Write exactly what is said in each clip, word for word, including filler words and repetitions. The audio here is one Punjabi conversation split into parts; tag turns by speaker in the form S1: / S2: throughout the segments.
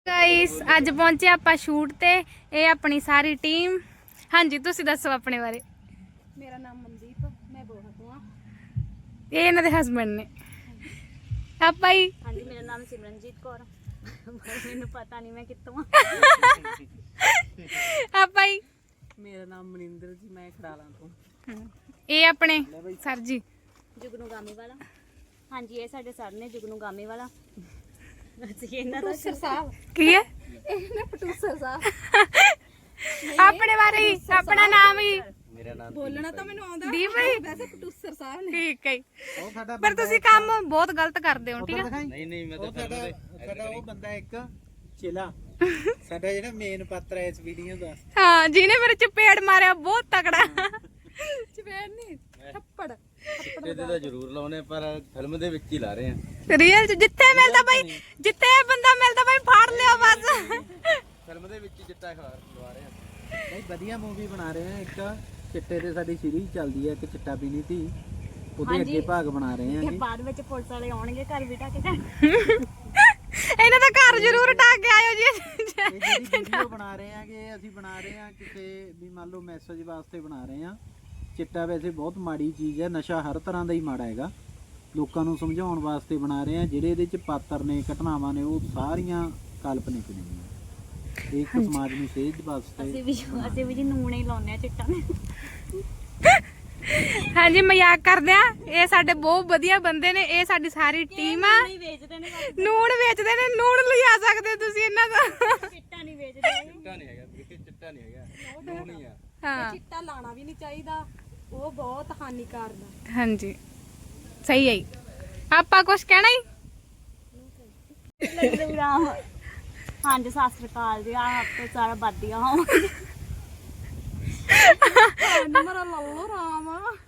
S1: गाइस अज पहुंचे आपां शूट ते ये अपनी सारी टीम। हाँ जी तुसी दसो अपने बारे।
S2: मेरा नाम मनदीप, मैं बोहा तो हां।
S1: ये इन्हां दे हस्बैंड ने। आपा ही।
S2: हाँ जी मेरा नाम सिमरनजीत कौर, मैनू पता नहीं मैं कित्थों हां।
S1: आपा ही।
S3: मेरा नाम मनिंदर जी, मैं खड़ाला तो।
S1: ये अपने सर जी
S2: जुगनू गामी वाला। हाँ जी ये साडे सर ने जुगनू गामी वाला। ਅਸੀਂ ਇਹਨਾਂ ਦਾ ਸਾਹਿਬ
S1: की है
S2: ਇਹਨੇ ਪ੍ਰੋਡਿਊਸਰ ਸਾਹਿਬ
S1: अपने बारे ही अपना नाम ही
S3: मेरा नाम
S2: ਬੋਲਣਾ ਤਾਂ ਮੈਨੂੰ ਆਉਂਦਾ
S1: दी भाई
S2: ਵੈਸੇ ਪ੍ਰੋਡਿਊਸਰ ਸਾਹਿਬ ਨੇ।
S1: ठीक है
S3: ਉਹ ਸਾਡਾ
S1: पर तुसी काम बहुत गलत करदे हो ठीक है।
S3: ਨਹੀਂ ਨਹੀਂ ਮੈਂ ਤਾਂ ਸਾਡਾ ਸਾਡਾ ਉਹ ਬੰਦਾ ਇੱਕ ਚਿਲਾ ਸਾਡਾ ਜਿਹੜਾ ਮੇਨ ਪਾਤਰ ਹੈ ਇਸ ਵੀਡੀਓ ਦਾ।
S1: हाँ जिन्हें मेरे चपेड़ मारे बहुत तगड़ा
S2: ਚਪੇੜ ਨਹੀਂ ਥੱਪੜ
S3: ਇਹਦੇ ਤਾਂ ਜ਼ਰੂਰ ਲਾਉਨੇ ਪਰ ਫਿਲਮ ਦੇ ਵਿੱਚ ਹੀ ਲਾ ਰਹੇ ਆ।
S1: रियल जिथे मिलता भाई जिथे बंदा मिलता भाई फाड़ लिया बस।
S3: ਫਿਲਮ ਦੇ ਵਿੱਚ ਹੀ ਚਿੱਟਾ ਖਵਾ ਲਵਾ ਰਹੇ ਆ। ਨਹੀਂ ਵਧੀਆ ਮੂਵੀ ਬਣਾ ਰਹੇ ਆ। ਇੱਕ ਚਿੱਟੇ ਤੇ ਸਾਡੀ ਸੀਰੀਜ਼ ਚੱਲਦੀ ਹੈ, ਇੱਕ ਚਿੱਟਾ ਪੀਣੀ ਤੀ, ਉਹਦੇ ਅੱਗੇ ਭਾਗ ਬਣਾ ਰਹੇ ਆ
S2: ਤੇ
S3: ਜੀ।
S2: ਬਾਅਦ ਵਿੱਚ ਪੁਲਿਸ ਵਾਲੇ ਆਉਣਗੇ ਘਰ ਬਿਠਾ ਕੇ ਜਾਣ।
S1: ਇਹਨਾਂ ਦਾ ਘਰ ਜ਼ਰੂਰ ਢਾ ਕੇ ਆਇਓ ਜੀ।
S3: ਇਹ ਜਿਹੜੀ ਵੀਡੀਓ ਬਣਾ ਰਹੇ ਆ ਕਿ ਅਸੀਂ ਬਣਾ ਰਹੇ ਆ ਕਿਸੇ ਵੀ ਮੰਨ ਲਓ ਮੈਸੇਜ ਵਾਸਤੇ ਬਣਾ ਰਹੇ ਆ। ਚਿੱਟਾ ਵੈਸੇ ਬਹੁਤ ਮਾੜੀ ਚੀਜ਼ ਹੈ, ਨਸ਼ਾ ਹਰ ਤਰ੍ਹਾਂ ਦਾ ਹੀ ਮਾੜਾ ਹੈਗਾ। ਲੋਕਾਂ ਨੂੰ ਸਮਝਾਉਣ ਵਾਸਤੇ ਬਣਾ ਰਹੇ ਆ। ਜਿਹੜੇ ਇਹਦੇ ਚ ਪਾਤਰ ਨੇ, ਘਟਨਾਵਾਂ ਨੇ, ਉਹ ਸਾਰੀਆਂ ਕਾਲਪਨਿਕ ਨੇ। ਇਹ ਇੱਕ ਸਮਾਜ ਨੂੰ ਸੇਧ ਵਾਸਤੇ
S2: ਅਸੀਂ ਵੀ ਅਸੀਂ ਵੀ ਜੀ ਨੂਣ ਹੀ ਲਾਉਂਦੇ ਆ ਚਿੱਟਾ ਨੇ।
S1: हाँ जी मजाक करदे आ। ये साडे बहुत वधिया बंदे ने। ये साडी सारी टीम आ।
S2: ਨਹੀਂ ਵੇਚਦੇ ਨੇ
S1: ਨੂਣ ਵੇਚਦੇ ਨੇ। ਨੂਣ ਲਿਆ ਸਕਦੇ ਤੁਸੀਂ ਇਹਨਾਂ ਦਾ।
S2: ਚਿੱਟਾ ਨਹੀਂ ਵੇਚਦੇ।
S3: ਚਿੱਟਾ ਨਹੀਂ ਹੈਗਾ, ਬਿਲਕੁਲ ਚਿੱਟਾ ਨਹੀਂ ਹੈਗਾ, ਉਹ ਨਹੀਂ ਆ।
S1: ਹਾਂ
S2: ਚਿੱਟਾ ਲਾਣਾ ਵੀ ਨਹੀਂ ਚਾਹੀਦਾ, ਉਹ ਬਹੁਤ ਹਾਨੀਕਾਰਕ ਹੈ।
S1: हाँ जी सही है जी। आपा कुछ कहना ही
S2: ਰਾਮ ਹਾਂ ਜੀ ਸਤਿ ਸ੍ਰੀ ਅਕਾਲ ਜੀ। ਆਪ ਤੋਂ ਸਾਰਾ ਬਾਦੀਆਂ ਹਾਂ ਮੇਰਾ ਲੱਲੋ ਰਾਮ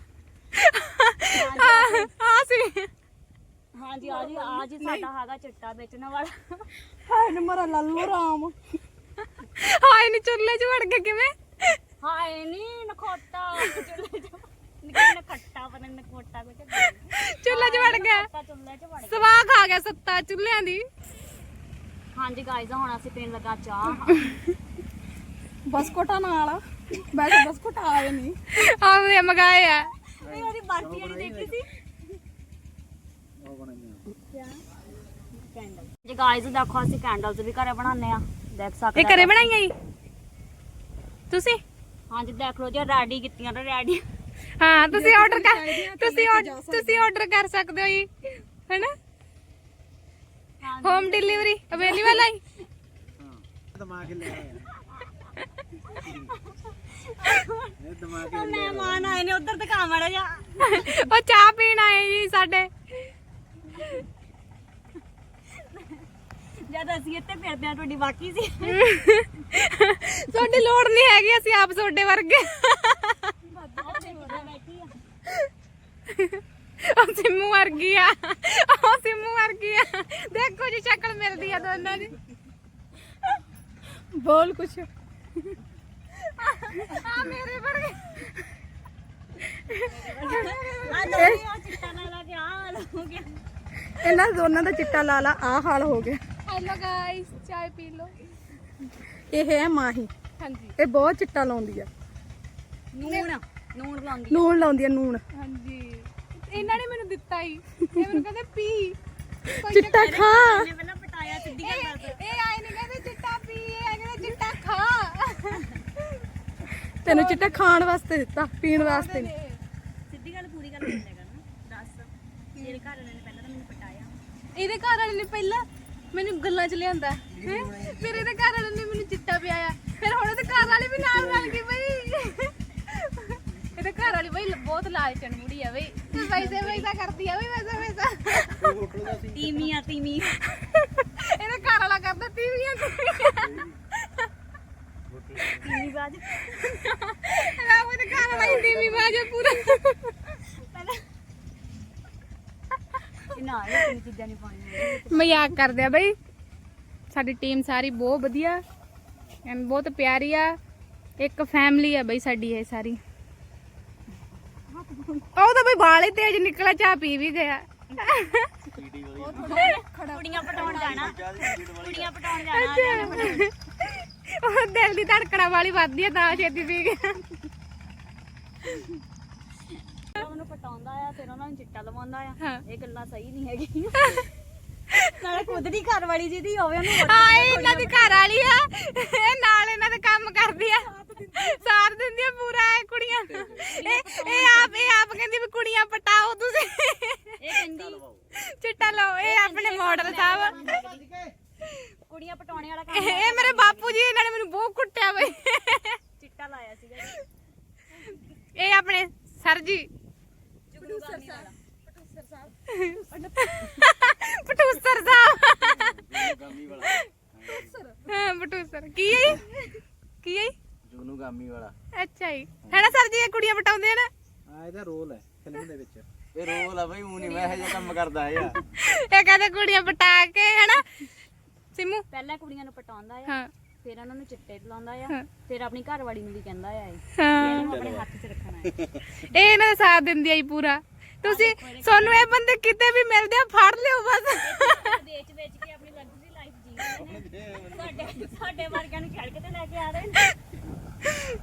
S1: हाँ सी
S2: ਹਾਂ ਜੀ ਆ ਜੀ ਆ ਜੀ ਸਾਡਾ ਹੈਗਾ ਚਿੱਟਾ ਵੇਚਣ ਵਾਲਾ। ਹਾਏ ਮੇਰਾ ਲੱਲੋ ਰਾਮ।
S1: हाय नी चुल्ले च वड़ के किवें।
S2: ਹਾਏ ਨੀ ਨਖੋਟਾ ਚੁੱਲ੍ਹੇ ਚ ਨਿਕਲ ਨਖੱਟਾ ਪਰ ਨਖੋਟਾ ਕੁਝ
S1: चुल्ले च वड़ गया।
S2: ਚੁੱਲ੍ਹੇ ਚ ਵੜ ਗਿਆ।
S1: ਸਵਾਹ ਖਾ ਗਿਆ ਸੱਤਾ ਚੁੱਲਿਆਂ ਦੀ।
S2: ਹਾਂ ਜੀ ਗਾਇਜ਼ ਹੁਣ ਅਸੀਂ ਪੀਣ ਲੱਗਾ ਚਾਹ। ਬਸਕੋਟਾ ਨਾਲ ਵੈਸੇ ਬਸਕੋਟ ਆਏ ਨਹੀਂ।
S1: ਆਵੇ ਮਗਾਏ ਆ।
S2: ਇਹ ਉਹਦੀ ਬਰਫੀ ਵਾਲੀ ਦੇਖੀ ਸੀ।
S3: ਉਹ ਬਣਾਈਆਂ
S2: ਕੈਂਡਲ ਜੀ ਗਾਇਜ਼ ਦੇਖੋ ਅਸੀਂ ਕੈਂਡਲਸ ਵੀ ਘਰੇ ਬਣਾਉਂਦੇ ਆ। ਦੇਖ ਸਕਦੇ
S1: ਇਹ ਘਰੇ ਬਣਾਈਆਂ ਜੀ ਤੁਸੀਂ।
S2: ਹਾਂ ਜੀ ਦੇਖ ਲਓ ਜੀ ਰੈਡੀ ਕੀਤੀਆਂ ਨੇ ਰੈਡੀ।
S1: ਹਾਂ ਤੁਸੀਂ ਆਰਡਰ ਕਰ ਤੁਸੀਂ ਆਰਡਰ ਤੁਸੀਂ ਆਰਡਰ ਕਰ ਸਕਦੇ ਹੋ ਜੀ ਹੈਨਾ। ਹੋਮ ਡਿਲੀਵਰੀ ਅਵੇਲੇਬਲ ਹੈ।
S3: ਹਾਂ ਦਿਮਾਗ ਲੈ ਆਇਆ ਇਹ ਦਿਮਾਗ
S2: ਉਹ ਮਹਿਮਾਨ ਆਏ ਨੇ ਉਧਰ ਦਿਖਾ ਮਾੜਾ ਜਾ।
S1: ਉਹ ਚਾਹ ਪੀਣ ਆਏ ਜੀ ਸਾਡੇ।
S2: ਜਦ ਅਸੀਂ ਇੱਥੇ ਫਿਰਦੇ ਆ ਤੁਹਾਡੀ ਬਾਕੀ ਸੀ।
S1: ਤੁਹਾਡੀ ਲੋੜ ਨਹੀਂ ਹੈਗੀ, ਅਸੀਂ ਆਪ ਤੁਹਾਡੇ ਵਰਗੇ। ਉਹ ਸਿੰਮੂ ਵਰਗੀ ਆ। ਉਹ ਸਿੰਮੂ ਵਰਗੀ ਆ। ਦੇਖੋ ਜੀ ਸ਼ਕਲ ਮਿਲਦੀ ਆ ਦੋਨਾਂ ਦੀ। ਬੋਲ ਕੁਛ। ਆ ਮੇਰੇ ਵਰਗੇ।
S2: ਆ ਦੋਨੇ ਚਿੱਟਾ ਨਾਲ ਲਾ ਕੇ ਆ ਹਾਲ ਹੋ ਗਿਆ।
S1: ਇਹਨਾਂ ਦੋਨਾਂ ਦਾ ਚਿੱਟਾ ਲਾ ਲਾ ਆ ਹਾਲ ਹੋ ਗਿਆ। ਹੈਲੋ ਗਾਇਸ ਚਾय ਪੀ ਲਓ।
S2: ਇਹ ਹੈ ਮਾਹੀ।
S1: ਹਾਂਜੀ
S2: ਇਹ ਬਹੁਤ ਚਿੱਟਾ ਲਾਉਂਦੀ ਆ।
S1: ਨੂਣ
S2: ਨੂਣ ਲਾਉਂਦੀ
S1: ਨੂਣ ਲਾਉਂਦੀ ਆ ਨੂਣ। ਹਾਂਜੀ ਇਹਨਾਂ ਨੇ ਮੈਨੂੰ ਦਿੱਤਾ ਹੀ। ਇਹ ਮੈਨੂੰ ਕਹਿੰਦੇ ਪੀ
S2: ਚਿੱਟਾ ਖਾ। ਇਹਨੇ ਪਹਿਲਾਂ ਪਟਾਇਆ ਸਿੱਧੀ ਗੱਲ ਦੱਸ।
S1: ਇਹ ਆਏ ਨੇ ਕਹਿੰਦੇ ਚਿੱਟਾ ਪੀ। ਇਹ ਆਏ ਕਹਿੰਦੇ ਚਿੱਟਾ ਖਾ।
S2: ਤੈਨੂੰ ਚਿੱਟਾ ਖਾਣ ਵਾਸਤੇ ਦਿੱਤਾ, ਪੀਣ ਵਾਸਤੇ ਨਹੀਂ। ਸਿੱਧੀ ਗੱਲ ਪੂਰੀ ਗੱਲ ਬੋਲਿਆ ਕਰ ਨਾ। ਦੱਸ ਮੇਰੇ ਘਰ ਵਾਲੇ ਨੇ ਪਹਿਲਾਂ ਤਾਂ ਮੈਨੂੰ ਪਟਾਇਆ।
S1: ਇਹਦੇ ਘਰ ਵਾਲੇ ਨੇ ਪਹਿਲਾਂ ਮੈਨੂੰ ਗੱਲਾਂ ਚ ਲਿਆਂਦਾ ਹੈ। ਫਿਰ ਇਹਦੇ ਘਰ ਵਾਲੇ ਨੇ ਮੈਨੂੰ ਚਿੱਟਾ ਪਿਆਇਆ। ਫਿਰ ਹੁਣ ਇਹਦੇ ਘਰ ਵਾਲੇ ਵੀ ਨਾਲ ਰਲ ਗਏ ਬਈ। ਇਹਦੇ ਘਰ ਵਾਲੀ ਬਈ ਬਹੁਤ ਲਾਲਚਣ ਮੁੜੀ ਆ ਬਈ। ਪੈਸੇ ਪੈਸਾ ਕਰਦੀ ਆ ਬਈ ਪੈਸਾ ਪੈਸਾ।
S2: ਤੀਮੀਆਂ ਤੀਮੀ
S1: ਇਹਦੇ ਘਰ ਵਾਲਾ ਕਰਦਾ ਤੀਵੀਆਂ ਕੁੜੀਆਂ।
S2: ਤੀਮੀ ਬਾਜ
S1: ਰਾਮ ਇਹਦੇ ਘਰ ਵਾਲਾ ਹੀ ਤੀਵੀ ਬਾਜੇ ਪੂਰਾ।
S2: ਪਹਿਲਾਂ ਨਾ ਇਹ ਚੀਜ਼ਾਂ ਨਹੀਂ ਪਾਉਣੀਆਂ।
S1: ਮਜ਼ਾਕ ਕਰਦੇ ਆ ਬਈ। ਸਾਡੀ ਟੀਮ ਸਾਰੀ ਬਹੁਤ ਵਧੀਆ ਐਂਡ ਬਹੁਤ ਪਿਆਰੀ ਆ। ਇੱਕ ਫੈਮਿਲੀ ਆ ਬਈ ਸਾਡੀ ਇਹ ਸਾਰੀ। ਉਹ ਤਾਂ ਬਈ ਵਾਲ ਹੀ ਤੇਜ਼ ਨਿਕਲਿਆ। ਚਾਹ ਪੀ ਵੀ ਗਿਆ।
S3: ਸੀਡੀ ਵਾਲੀ
S2: ਕੁੜੀਆਂ ਪਟਾਉਣ ਜਾਣਾ ਕੁੜੀਆਂ ਪਟਾਉਣ ਜਾਣਾ
S1: ਉਹ ਦਿਲ ਦੀ ਧੜਕਣਾ ਵਾਲੀ ਵੱਧਦੀ ਆ ਤਾਂ ਛੇਤੀ ਪੀ ਗਿਆ।
S2: ਉਹਨੂੰ ਪਟਾਉਂਦਾ ਆ ਫਿਰ ਉਹਨਾਂ ਨੂੰ ਚਿੱਟਾ ਲਵਾਉਂਦਾ ਆ
S1: ਹਾਂ।
S2: ਇਹ ਗੱਲਾਂ ਸਹੀ ਨਹੀਂ ਹੈਗੀਆਂ ਨਾਲੇ ਖੁਦ ਦੀ ਘਰ ਵਾਲੀ ਜਿਹਦੀ ਹੋਵੇ ਉਹਨੂੰ
S1: ਹਾਂ ਇਹ ਇਹਨਾਂ ਦੀ ਘਰ ਵਾਲੀ ਆ, ਇਹ ਨਾਲ ਇਹਨਾਂ ਦੇ ਕੰਮ ਕਰਦੀ ਆ, ਸਾਥ ਦਿੰਦੀ ਆ ਪੂਰਾ ਇਹ ਕੁੜੀਆਂ। ਇਹ ਇਹ ਆਪ ਇਹ ਆਪ ਕਹਿੰਦੀ ਵੀ ਕੁੜੀਆਂ ਪਟਾਓ ਤੁਸੀਂ,
S2: ਇਹ ਕਹਿੰਦੀ
S1: ਚਿੱਟਾ ਲਓ। ਇਹ ਆਪਣੇ ਮਾਡਲ ਸਾਹਿਬ,
S2: ਕੁੜੀਆਂ ਪਟਾਉਣੇ ਵਾਲਾ
S1: ਇਹ
S2: ਕੰਮ
S1: ਇਹ ਮੇਰੇ ਬਾਪੂ ਜੀ, ਇਹਨਾਂ ਨੇ ਮੈਨੂੰ ਬਹੁਤ ਕੁੱਟਿਆ ਬਈ।
S2: ਚਿੱਟਾ ਲਾਇਆ ਸੀਗਾ ਜੀ।
S1: ਇਹ ਆਪਣੇ ਸਰ ਜੀ
S2: ਜੁਗਨੂ ਗਾਮੀ ਵਾਲਾ
S1: ਪਟੂਸਰ ਸਾਹਿਬ, ਹਾਂ ਪਟੂਸਰ ਕੀ ਹੈ ਜੀ? ਕੀ ਹੈ ਜੀ?
S3: ਜੁਗਨੂ ਗਾਮੀ ਵਾਲਾ।
S1: ਅੱਛਾ ਜੀ, ਹੈ ਨਾ ਸਰ ਜੀ, ਇਹ ਕੁੜੀਆਂ ਪਟਾਉਂਦੇ ਆ ਨਾ।
S3: ਆ ਇਹਦਾ ਰੋਲ ਹੈ ਫਿਲਮ ਦੇ ਵਿੱਚ।
S4: ਇਹ ਰੋਲ ਆ ਬਈ, ਉਹ ਨਹੀਂ ਮੈਂ ਇਹ ਜਿਹਾ ਕੰਮ ਕਰਦਾ ਆ।
S1: ਇਹ ਕਹਿੰਦੇ ਕੁੜੀਆਂ ਪਟਾ ਕੇ, ਹੈਨਾ ਸਿਮੂ?
S2: ਪਹਿਲਾਂ ਕੁੜੀਆਂ ਨੂੰ ਪਟਾਉਂਦਾ ਆ,
S1: ਹਾਂ
S2: ਫਿਰ ਉਹਨਾਂ ਨੂੰ ਚਿੱਟੇ ਲਾਉਂਦਾ ਆ,
S1: ਹਾਂ।
S2: ਫਿਰ ਆਪਣੀ ਘਰ ਵਾਲੀ ਨੂੰ ਵੀ ਕਹਿੰਦਾ ਆ ਇਹ
S1: ਹਾਂ,
S2: ਇਹਨੂੰ ਆਪਣੇ ਹੱਥ 'ਚ ਰੱਖਣਾ ਹੈ।
S1: ਇਹ ਇਹਨਾਂ ਦਾ ਸਾਥ ਦਿੰਦੀ ਆ ਜੀ ਪੂਰਾ। ਤੁਸੀਂ ਤੁਹਾਨੂੰ ਇਹ ਬੰਦੇ ਕਿਤੇ ਵੀ ਮਿਲਦੇ ਆ ਫੜ ਲਿਓ ਬਸ।
S2: ਵੇਚ ਵੇਚ ਕੇ ਆਪਣੀ ਲਗਜ਼ਰੀ ਲਾਈਫ ਜੀ ਰਹੇ ਨੇ। ਸਾਡੇ ਸਾਡੇ ਵਰਗਿਆਂ ਨੂੰ ਛੱਡ ਕੇ ਤੇ ਲੈ ਕੇ ਆ ਰਹੇ ਨੇ।